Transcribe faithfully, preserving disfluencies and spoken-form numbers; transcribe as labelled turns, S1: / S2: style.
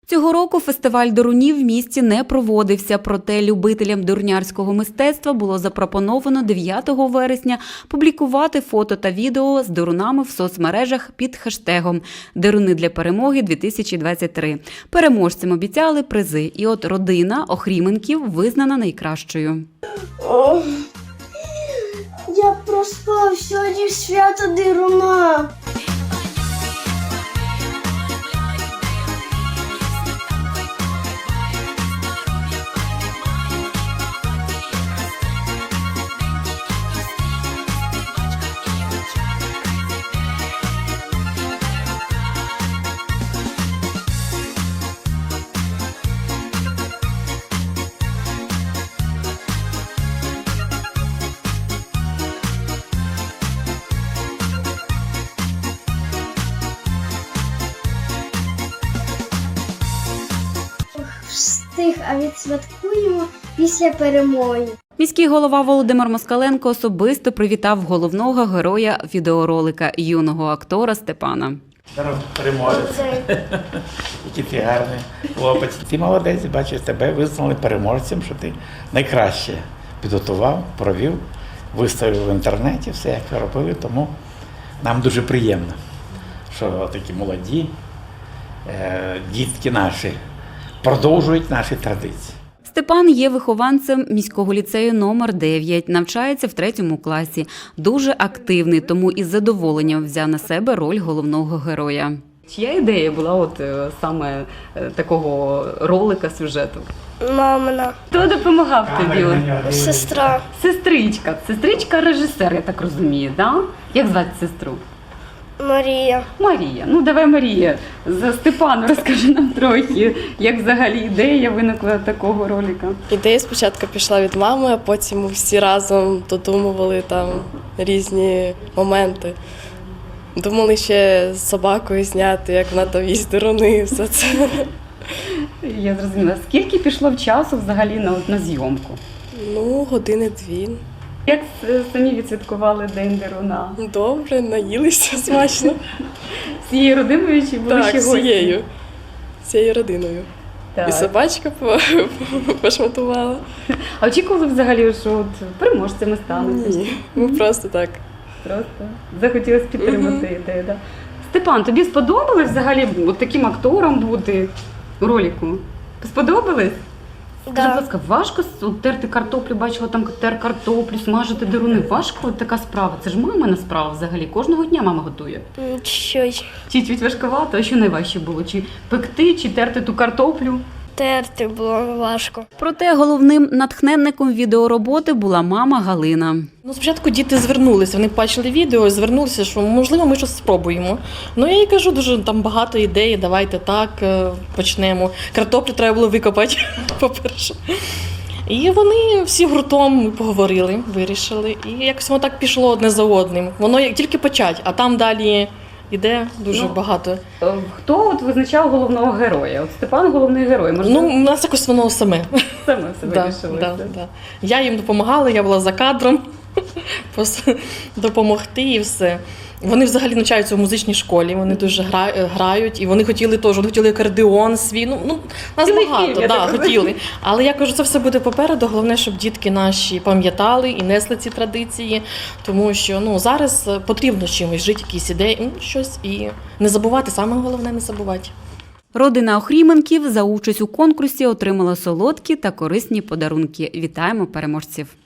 S1: Цього року фестиваль дурунів в місті не проводився, проте любителям дурнярського мистецтва було запропоновано дев'ятого вересня публікувати фото та відео з дурунами в соцмережах під хештегом «Дируни для перемоги дві тисячі двадцять три». Переможцям обіцяли призи, і от родина Охріменків визнана найкращою.
S2: О, я проспав сьогодні свято дируна. Встиг, а відсвяткуємо після перемоги.
S1: Міський голова Володимир Москаленко особисто привітав головного героя відеоролика – юного актора Степана.
S3: Здоров, переможець. Який ти гарний хлопець. Ти молодець, бачиш, тебе визнали переможцем, що ти найкраще підготував, провів, виставив в інтернеті, все як ви робили. Тому нам дуже приємно, що такі молоді е, дітки наші продовжують наші традиції.
S1: Степан є вихованцем міського ліцею номер дев'ять, навчається в третьому класі. Дуже активний, тому із задоволенням взяв на себе роль головного героя. Чия ідея була от саме такого ролика, сюжету?
S2: Мамина.
S1: Хто допомагав тобі?
S2: Сестра.
S1: Сестричка. Сестричка режисер, я так розумію, да? Як звати сестру?
S2: Марія.
S1: Марія. Ну, давай, Марія, за Степану розкажи нам трохи, як взагалі ідея виникла такого ролика.
S4: Ідея спочатку пішла від мами, а потім ми всі разом додумували там різні моменти. Думали ще з собакою зняти, як вона там їсть дируни і все це.
S1: Я зрозуміла. Скільки пішло в часу взагалі на, на зйомку?
S4: Ну, години-дві.
S1: Як самі відсвяткували День Дируна?
S4: Добре, наїлися смачно.
S1: Всією родиною чи були
S4: Так,
S1: ще гості?
S4: всією. Всією родиною.
S1: Так.
S4: І собачка пошматувала.
S1: А очікували взагалі, що от переможцями стануть?
S4: Ні, ми просто так.
S1: Просто захотілося підтримати mm-hmm. ідею. Да? Степан, тобі сподобалось взагалі от таким актором бути у ролику? Сподобалось? Скажи, будь ласка, важко терти картоплю, бачила там тер картоплю, смажити дируни. Важко от така справа? Це ж мамина справа взагалі. Кожного дня мама готує.
S2: Щось.
S1: Чи чуть важковато? А що найважче було? Чи пекти, чи терти ту картоплю?
S2: Терти було важко.
S1: Проте головним натхненником відеороботи була мама Галина.
S5: Ну, спочатку діти звернулися, вони бачили відео і звернулися, що можливо ми щось спробуємо. Ну я їй кажу, дуже там багато ідей, давайте так почнемо. Картоплю треба було викопати, по-перше. І вони всі гуртом поговорили, вирішили. І якось воно так пішло одне за одним. Воно як тільки почать, а там далі іде дуже ну, багато.
S1: Хто от визначав головного героя? От Степан головний герой. Можливо?
S5: Ну, у нас якось воно саме.
S1: Саме себе
S5: да,
S1: рішилося.
S5: Да, да. Я їм допомагала, я була за кадром, допомогти і все. Вони взагалі навчаються в музичній школі, вони дуже грають, і вони хотіли теж, вони хотіли акордеон свій, ну, ну нас
S1: Цілий
S5: багато,
S1: фільм,
S5: да, хотіли. Але я кажу, це все буде попереду, головне, щоб дітки наші пам'ятали і несли ці традиції, тому що ну, зараз потрібно чимось жити, якісь ідеї, ну, щось, і не забувати, саме головне не забувати.
S1: Родина Охріменків за участь у конкурсі отримала солодкі та корисні подарунки. Вітаємо переможців!